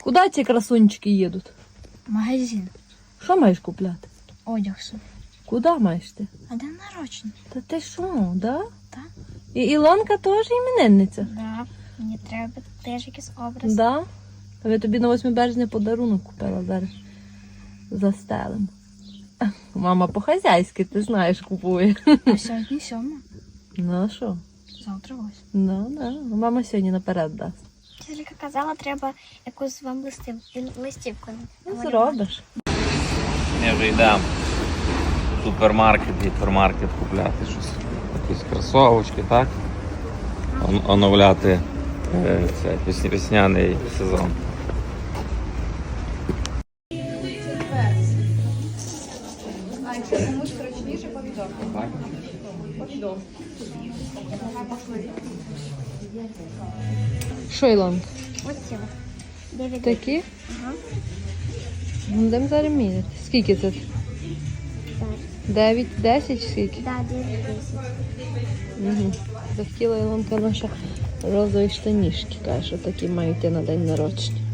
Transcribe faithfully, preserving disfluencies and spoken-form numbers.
Куди ці красунчики їдуть? Магазин. Що маєш купляти? Одяг собі. Куди маєш ти? А день народження? Та ти що, да? Так. І Ілонка теж іменинниця? Да. Мені треба теж якийсь образ. Да? А я тобі на восьме березня подарунок купила зараз. Застелим. Мама по-хазяйськи, ти знаєш, купує. А сьогодні сьома. Ну а що? Завтра ось. Ну, да. Мама сьогодні наперед дасть. Тільки казала, треба якусь вам листів, листівку. Ну, зробиш. Ми вже йдемо в супермаркет, гіпермаркет купляти щось. Якісь кросовочки, так? Он- Оновляти е, це, весня- весняний сезон. Що, Ілонка? Ось ці. Дев'ять. Такі? Ага. Будемо зараз міряти. Скільки це? дев'ять, десять, скільки? Да, дев'ять десять. Угу. Захотіла Ілонка наша розові штанішки. Каже, що такі мають йти на день народження.